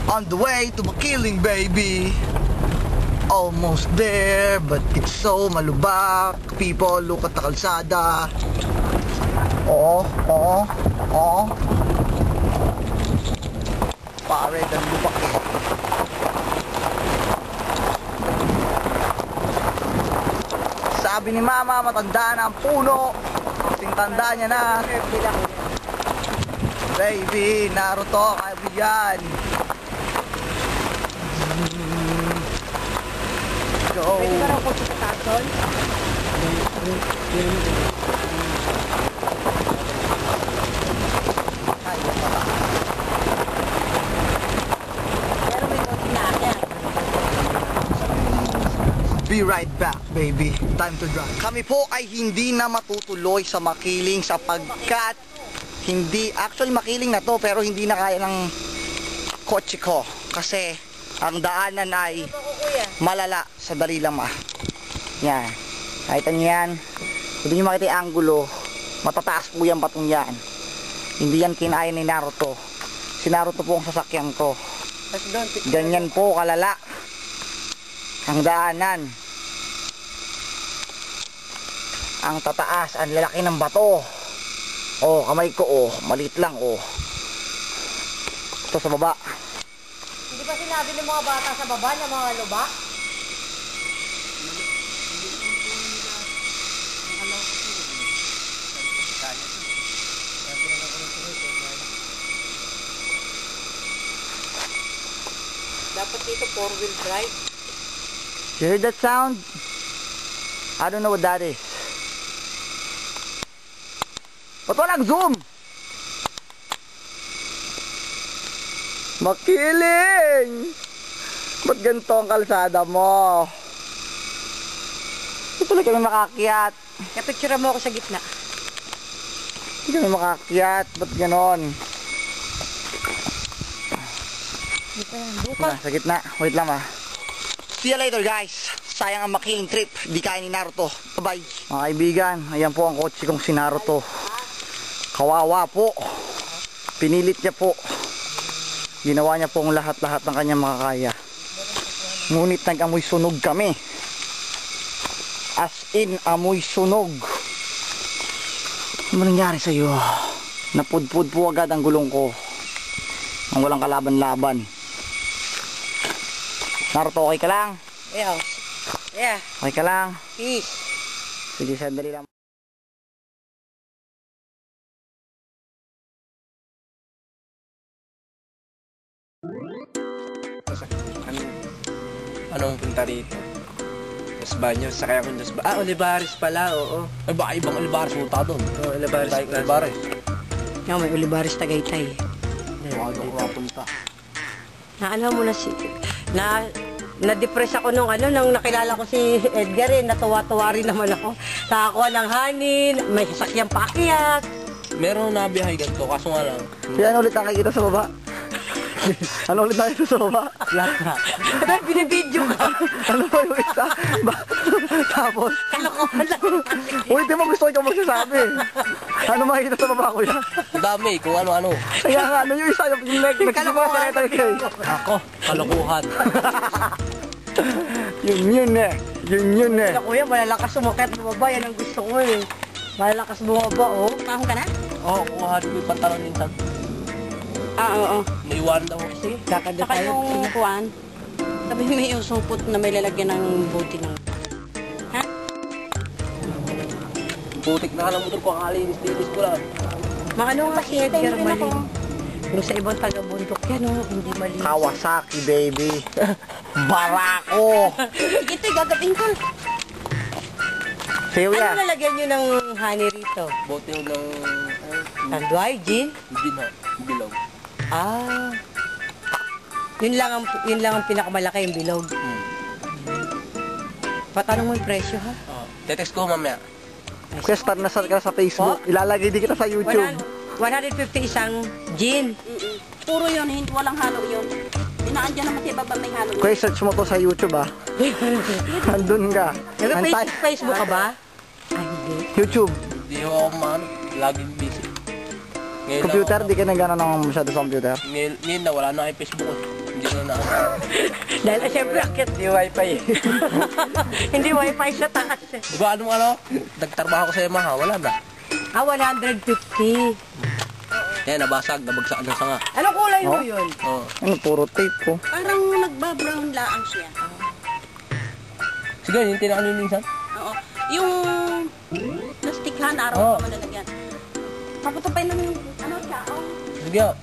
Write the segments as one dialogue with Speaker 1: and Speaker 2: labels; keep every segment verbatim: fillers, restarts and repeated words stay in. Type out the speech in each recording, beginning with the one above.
Speaker 1: On the way to Makiling, baby. Almost there, but it's so malubak. People, look at the kalsada. Oo, oo, oo. Pare, dan lubak eh. Sabi ni Mama, matanda na ang puno. Kasing tanda niya na. Baby, Naruto, kaibigan. Go.
Speaker 2: Pwede ka raw po sa tason? Pero may konti na akin.
Speaker 1: Be right back, baby. Time to drive. Kami po ay hindi na matutuloy sa Makiling sapagkat hindi, actually Makiling na to pero hindi na kaya ng kotse ko kasi ang daanan ay malala sa Darilama. Yan. Nakita niyo yan. Hindi niyo makita yung angulo. Matataas po yung batong yan. Hindi yan kinaya ni Naruto. Si Naruto po ang sasakyan ko. Ganyan po kalala ang daanan. Ang tataas, ang lalaki ng bato. Oh, kamay ko oh, maliit lang oh. Ito sa baba.
Speaker 2: Hindi ba sinabi ng mga bata sa baba na mga lubak? Dapat dito four wheel drive.
Speaker 1: You heard that sound? I don't know what that is. Ba't walang zoom? Makiling! Ba't ganito ang kalsada mo? Hindi pala kami makakyat.
Speaker 2: Kapicture mo ako sa gitna.
Speaker 1: Hindi kami makakyat. Ba't ganon?
Speaker 2: Buka.
Speaker 1: Sa gitna. Wait lang ah. See you later guys. Sayang ang Makiling trip. Di kaya ni Naruto. Bye bye. Mga kaibigan, ayan po ang kotse kong si Naruto. Kawawa po. Pinilit niya po. Ginawa niya po ang lahat-lahat ng kanyang makakaya. Ngunit nag-amoy sunog kami. As in, amoy sunog. Ano nangyari sa'yo? Napudpud po agad ang gulong ko. Ang walang kalaban-laban. Naruto, okay ka lang?
Speaker 2: Yeah. Yeah.
Speaker 1: Okay ka lang?
Speaker 2: Peace.
Speaker 1: Sige, sandali lang.
Speaker 3: Ano, anong punta rito? Los Baños, sakay ako ng Los Baños. Ah, Olivares pala, oo. Ay, baka ibang Olivares punta doon. Oo, Olivares. Olivares.
Speaker 2: Yung may Olivares Tagaytay.
Speaker 3: Baka doon ko punta.
Speaker 2: Naalala mo na si... Na... Na-depress ako nung ano, nung nakilala ko si Edgar eh, natuwa-tuwa rin naman ako. Nakakuha ng hanin, may sasakyang paakyat.
Speaker 3: Meron na biyahe ganito, kaso nga lang.
Speaker 1: Yan ulit nakikita sa baba. Ano ulit nakikita sa baba?
Speaker 3: Lahat na.
Speaker 2: Dahil binibidyo ka.
Speaker 1: Ano ba yung isa? Ba- Tapos,
Speaker 2: Kalokohan lang.
Speaker 1: uy, di mo gusto ikaw magsasabi. Ano makikita sa baba ko yan?
Speaker 3: Ang dami, kung ano-ano.
Speaker 1: Kaya nga, ano yung isa? Yung nag- nagsisimula sa letter K.
Speaker 3: Ako, kalokohan.
Speaker 1: Yun yun eh. Yun yun eh.
Speaker 2: Kaya kuya, malalakas sumakit bumaba, yan ang gusto ko eh. Malalakas bumaba, oh. Pahong ka na?
Speaker 3: Oo, oh, kuha ko yung pantalon minsan.
Speaker 2: Ah, oo.
Speaker 3: Naiwan daw.
Speaker 2: Sige, kakada tayo. Saka yung kuwan, sabi may yung supot na may lalagyan ng buti ng... Ha?
Speaker 3: Putik na ka ng motor ko, kakalinis-linis ko lang.
Speaker 2: Maano nga si Edgar mali. Yung sa ibang taga-bundok yan, oh, hindi mali.
Speaker 1: Kawasaki, baby. Barako.
Speaker 2: Sige, ito, gagawin ko.
Speaker 1: Sige,
Speaker 2: Ano
Speaker 1: kuya.
Speaker 2: lalagyan nyo ng honey rito?
Speaker 3: Bote yung ng...
Speaker 2: Tanduay, gin?
Speaker 3: Hindi na, bilog.
Speaker 2: Ah. Yun lang ang, yun lang ang pinakamalaki, yung bilog.
Speaker 3: Hmm.
Speaker 2: Patanong mo yung presyo, ha?
Speaker 3: Oh, tetext ko mamaya.
Speaker 1: Kuya, start na start ka sa Facebook. Ilalagay din kita sa YouTube.
Speaker 2: one fifty isang gin.
Speaker 4: Puro yun, hindi walang halo yun. Inaandyan naman sa ibaba may halo yun.
Speaker 1: Kuya, search mo to sa YouTube ah. Andun ka. Antay.
Speaker 2: Nag-Facebook ka ba? Ay, hindi.
Speaker 1: YouTube.
Speaker 3: Hindi ako man, laging busy. Ngayon
Speaker 1: Computer,
Speaker 3: lang
Speaker 1: di ka na gano'n naman masyado sa computer.
Speaker 3: ako- Ngayon, ngayon na, wala na kay Facebook. Hindi ko na
Speaker 2: Dahil ah, syempre akit.
Speaker 3: Hindi wifi eh.
Speaker 2: Hindi wifi sa taas. eh.
Speaker 3: Di ba anong ano? Nagtrabaho ko sa Yamaha, wala na.
Speaker 2: Ah, one hundred fifty.
Speaker 3: Yan, nabasag, nabagsak ng sanga.
Speaker 2: Anong kulay mo
Speaker 1: Oh.
Speaker 2: yun?
Speaker 3: Oo.
Speaker 1: Ano, puro tape ko.
Speaker 4: Parang nagbabrown laang siya.
Speaker 3: Sige, yung tinakalinisan.
Speaker 4: Oo. Yung plastikhan, araw
Speaker 3: Oo.
Speaker 4: oh. ka malalagyan. Papatupay ng ano siya. Oh.
Speaker 3: Sige. oh.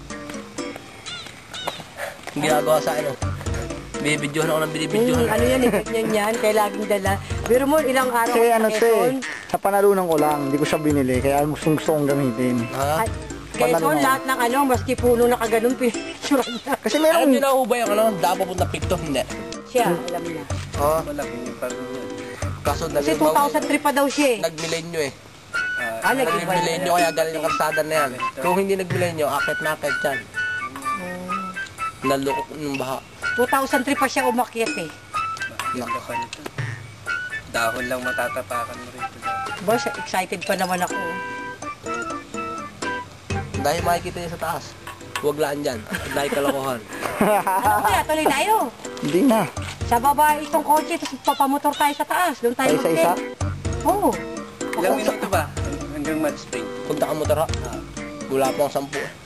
Speaker 3: Yung ginagawa sa ano. Binibidyohan ako ng
Speaker 2: Hmm,
Speaker 3: binibidyohan.
Speaker 2: ano yan, ibig niyan yan, kaya laging dala. Pero mo, ilang araw
Speaker 1: Kasi ano
Speaker 2: sa
Speaker 1: to eh,
Speaker 2: Quezon.
Speaker 1: sa panalunan ko lang, hindi ko siya binili, kaya gustong gusto kong gamitin.
Speaker 3: Ha?
Speaker 2: At Quezon,
Speaker 1: Panalo na.
Speaker 2: lahat ng ano, maski puno na kaganon, pinicturan na.
Speaker 1: Kasi
Speaker 3: Alam
Speaker 1: meron,
Speaker 3: niyo na ho ba yung ano? Daan papunta Picto? Hindi.
Speaker 2: Siya, alam niya.
Speaker 3: Oo. Wala, pa rin yan. Kaso
Speaker 2: Kasi
Speaker 3: nag-
Speaker 2: two thousand three pa daw siya eh.
Speaker 3: nag-milenyo eh.
Speaker 2: Ah, nag-iba
Speaker 3: Nag-milenyo kaya galing yung karsada na yan. Kung hindi nag-milenyo, akit na akit yan. Nalukok ng baha.
Speaker 2: two thousand three pa siya umakyat eh.
Speaker 5: Ganda pa nito. Dahon lang matatapakan mo rito.
Speaker 2: Boss, excited pa naman ako.
Speaker 3: Dahil makikita niya sa taas. Huwag laan dyan. Dahil kalokohan.
Speaker 2: Ano kaya, tuloy tayo.
Speaker 1: hindi na.
Speaker 2: Sa baba itong kotse, tapos papamotor tayo sa taas. Doon tayo
Speaker 1: Sa isa-isa?
Speaker 2: Oo.
Speaker 5: Ilang minuto ba? Hanggang Mud Spring.
Speaker 3: Punta ka motor ha? Wala pa akong sampu. eh.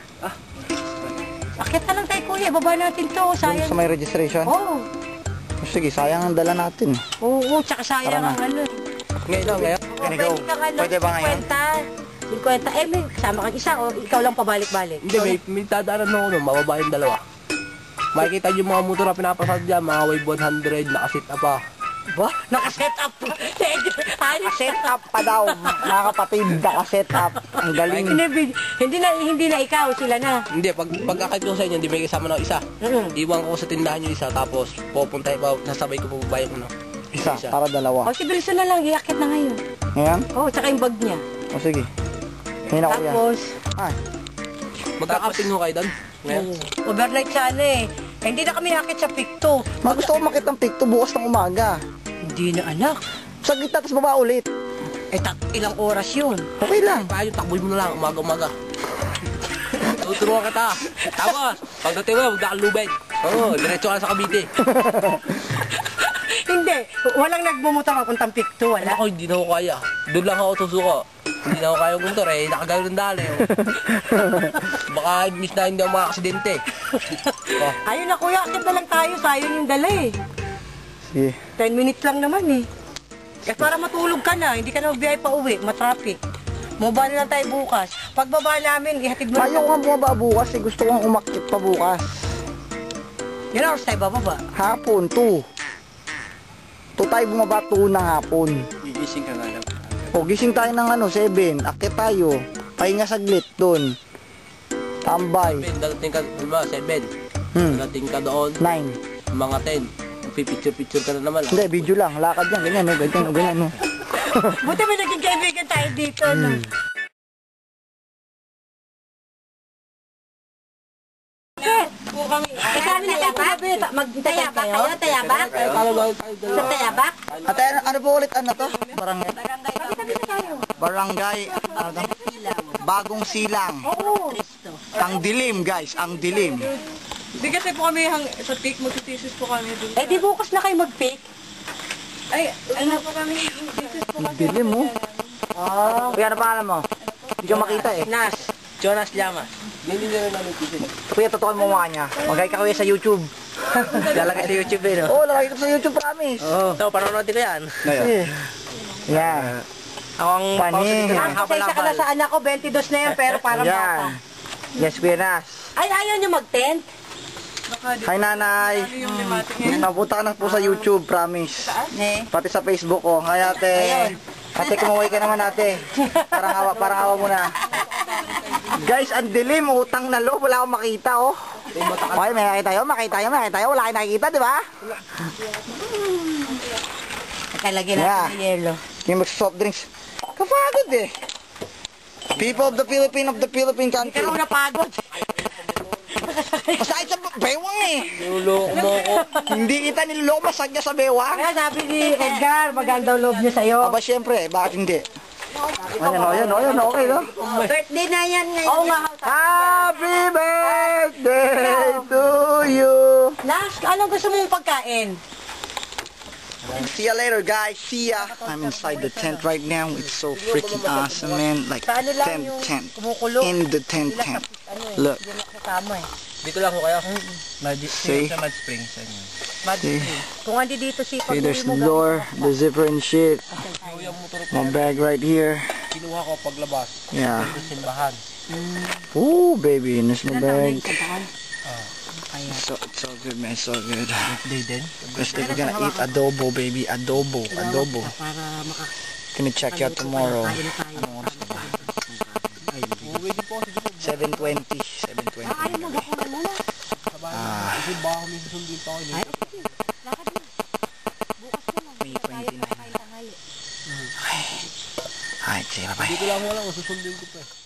Speaker 2: Akit na lang tayo kuya, baba natin to.
Speaker 1: Doon
Speaker 2: Sayang.
Speaker 1: sa may registration.
Speaker 2: Oo.
Speaker 1: Sige, sayang ang dala natin.
Speaker 2: Oo, oo, tsaka sayang
Speaker 1: Tara na.
Speaker 2: ang ano. eh.
Speaker 3: Ngayon lang, ngayon.
Speaker 1: Can you go?
Speaker 2: Pwede kang ano,
Speaker 1: Pwede ba ngayon?
Speaker 2: fifty. fifty. Eh, may kasama kang isa o ikaw lang pabalik-balik.
Speaker 3: Hindi, may, may tadaanan ako nun. Mababa yung dalawa. Makikita yung mga motor na pinapasad dyan. Mga wave one hundred, nakasit na pa.
Speaker 2: Ba? Nakaset up. Ayos.
Speaker 1: Set up pa daw, mga kapatid, naka-set up. Ang galing.
Speaker 2: Hindi, bin- hindi na hindi na ikaw, sila na.
Speaker 3: Hindi, pag pagkakit ko sa inyo, hindi may kasama ng isa.
Speaker 2: Mm.
Speaker 3: Iwan ko sa tindahan yung isa, tapos pupunta iba, sasabay ko pababa yung ano.
Speaker 1: Isa, para dalawa.
Speaker 2: O si Bilson na lang, iakit na ngayon.
Speaker 1: Ngayon?
Speaker 2: Oo, tsaka yung bag niya.
Speaker 1: O sige. Ngayon ako yan.
Speaker 2: Tapos,
Speaker 1: Ay,
Speaker 3: Magkakaping ko kayo doon. Ngayon.
Speaker 2: oo, overnight sana eh. Eh, hindi na kami akit sa Picto.
Speaker 1: mga gusto ko makita ng picto bukas ng umaga.
Speaker 2: Hindi na anak.
Speaker 1: Sa gitna, tapos baba ulit.
Speaker 2: Eh, tak ilang oras yun.
Speaker 1: Okay lang.
Speaker 3: Paano, takboy mo na lang, umaga-umaga. Tuturuan kita. Tapos, pagdating mo, huwag na kang lubid. Oo, diretso ka na sa Cavite.
Speaker 2: Hindi, walang nagbumotor papuntang Picto, wala.
Speaker 3: Ako, hindi na ako kaya. Doon lang ako susuko. Hindi na ako kaya gumuntor eh, nakagano ng dali. Oh. Baka miss na hindi ako maka-aksidente. Oh.
Speaker 2: Ayun na kuya, akit na lang tayo, sayang yung dala eh.
Speaker 1: Sige.
Speaker 2: ten minutes lang naman eh. Kasi para matulog ka na, hindi ka na magbiyay pa uwi, matraffic. Mababa na lang tayo bukas. Pagbaba namin, ihatid mo
Speaker 1: Ayaw ko nga bumaba bukas, eh. Gusto kong umakit pa bukas.
Speaker 2: Yun oras tayo bababa.
Speaker 1: Hapon, two. two tayo bumaba, two ng hapon.
Speaker 5: Gigising ka nga lang.
Speaker 1: O, gising tayo ng ano, seven. Akit tayo. Pahinga saglit doon. Tambay.
Speaker 3: seven, dadating ka, diba, seven.
Speaker 1: Hmm.
Speaker 3: Dadating ka doon,
Speaker 1: Nine.
Speaker 3: mga ten. Pipicture-picture ka na naman. ah.
Speaker 1: Hindi, video lang. Lakad yan. Ganyan, no? Ganyan, no? Ganyan, no?
Speaker 2: Buti may naging kaibigan tayo dito, no? Eh, kami na tayo kumabi. Magtayabak kayo? Tayabak? Sa tayabak?
Speaker 1: Ate, ano, ano po ulit? Ano to? Barangay. Barangay. Ano to? Bagong silang.
Speaker 2: Oo.
Speaker 1: Ang dilim, guys. Ang dilim.
Speaker 6: Hindi kasi po kami hang, sa pick, magtitisis po kami dun.
Speaker 2: Eh, di bukas na kayo mag-pick.
Speaker 6: Ay, ano po kami, thesis po
Speaker 1: Ang dilim, mo.
Speaker 2: Oh.
Speaker 1: Kuya, ano pangalan mo? Hindi ko makita, eh.
Speaker 2: Nas.
Speaker 3: Jonas Llamas. Hindi nyo rin namin tisin.
Speaker 1: Kuya, totoo mo mukha niya. Magkay ka kuya sa YouTube.
Speaker 3: Lalagay sa YouTube eh, no?
Speaker 1: Oo, oh, lalaki ko sa YouTube, promise.
Speaker 3: Oo. Oh. So, panonood ko yan.
Speaker 1: Eh. Yan.
Speaker 3: Ako ang
Speaker 1: Pani.
Speaker 3: pausa dito ng
Speaker 2: Ang pasensya ka na sa anak ko, twenty-two na yan, pero parang bata.
Speaker 1: Yan. Yes, Kuya Nas.
Speaker 2: Ay, ayaw nyo mag-tent?
Speaker 1: Hi, nanay.
Speaker 6: ano yung limatic ngayon.
Speaker 1: Napunta ka na po sa YouTube, promise.
Speaker 2: Eh.
Speaker 1: Pati sa Facebook ko. Hi, ate. Ate, kumuhay ka naman, ate. Parang hawa, parang hawa mo na. Guys, ang dilim. Utang na loob. Wala akong makita, oh. Okay, may nakita tayo, makita tayo, makita tayo. Wala kayong nakikita, di ba?
Speaker 2: Nakalagay
Speaker 1: Yeah.
Speaker 2: natin ng yelo.
Speaker 1: Yung mag-soft drinks. Kapagod, eh. People of the Philippine of the Philippine
Speaker 2: Hindi ka
Speaker 1: country.
Speaker 2: raw napagod.
Speaker 1: Masakit sa bewang, eh.
Speaker 3: Nuloko mo ko.
Speaker 1: Hindi kita niloloko, masakit sa bewang.
Speaker 2: Kaya sabi ni Edgar, maganda ang loob niya sa'yo.
Speaker 1: Aba, syempre, bakit hindi? Ayan, o, ayan, o, ayan, okay, no?
Speaker 2: Birthday na yan ngayon. Oo nga.
Speaker 1: Happy birthday to
Speaker 2: Anong gusto mong pagkain?
Speaker 1: See ya later, guys. See ya. I'm inside the tent right now. It's so freaking awesome, man. Like,
Speaker 2: Sa ano lang
Speaker 1: tent,
Speaker 2: yung
Speaker 1: tent.
Speaker 2: kumukulo.
Speaker 1: In the tent,
Speaker 2: Sila sa
Speaker 1: tent.
Speaker 2: ano eh.
Speaker 1: Look.
Speaker 2: Hindi na kasama eh.
Speaker 3: Dito lang ko kayo. Magic,
Speaker 1: See?
Speaker 3: sa Mad Springs. Ano yun?
Speaker 2: Mad
Speaker 1: See?
Speaker 2: Spring. Kung andi dito si
Speaker 1: See,
Speaker 2: pag-uwi
Speaker 1: there's
Speaker 2: mo
Speaker 1: the door, the zipper and shit.
Speaker 3: Yung motor ko,
Speaker 1: My bag right here.
Speaker 3: kinuha ko paglabas.
Speaker 1: Yeah.
Speaker 3: Sa simbahan.
Speaker 1: Ooh, baby, and there's my bag.
Speaker 2: Kantahan.
Speaker 1: So, it's so good, man. So good.
Speaker 3: Birthday din.
Speaker 1: Because we're gonna eat adobo, baby. Adobo. Adobo.
Speaker 2: Para maka...
Speaker 1: Gonna check you out tomorrow.
Speaker 2: Kain tayo.
Speaker 3: Uwi din po kasi dito.
Speaker 1: seven twenty. seven twenty.
Speaker 2: Ayaw mo, gakunan muna.
Speaker 1: Ah,
Speaker 3: Kasi baka kami susundin pa ako.
Speaker 2: Ay, okay. Lakad mo. Bukas na lang.
Speaker 1: May twenty-nine.
Speaker 2: Tayo kain tanghali.
Speaker 1: Alright, see you. Bye-bye.
Speaker 3: Dito lang wala ko susundin ko pa.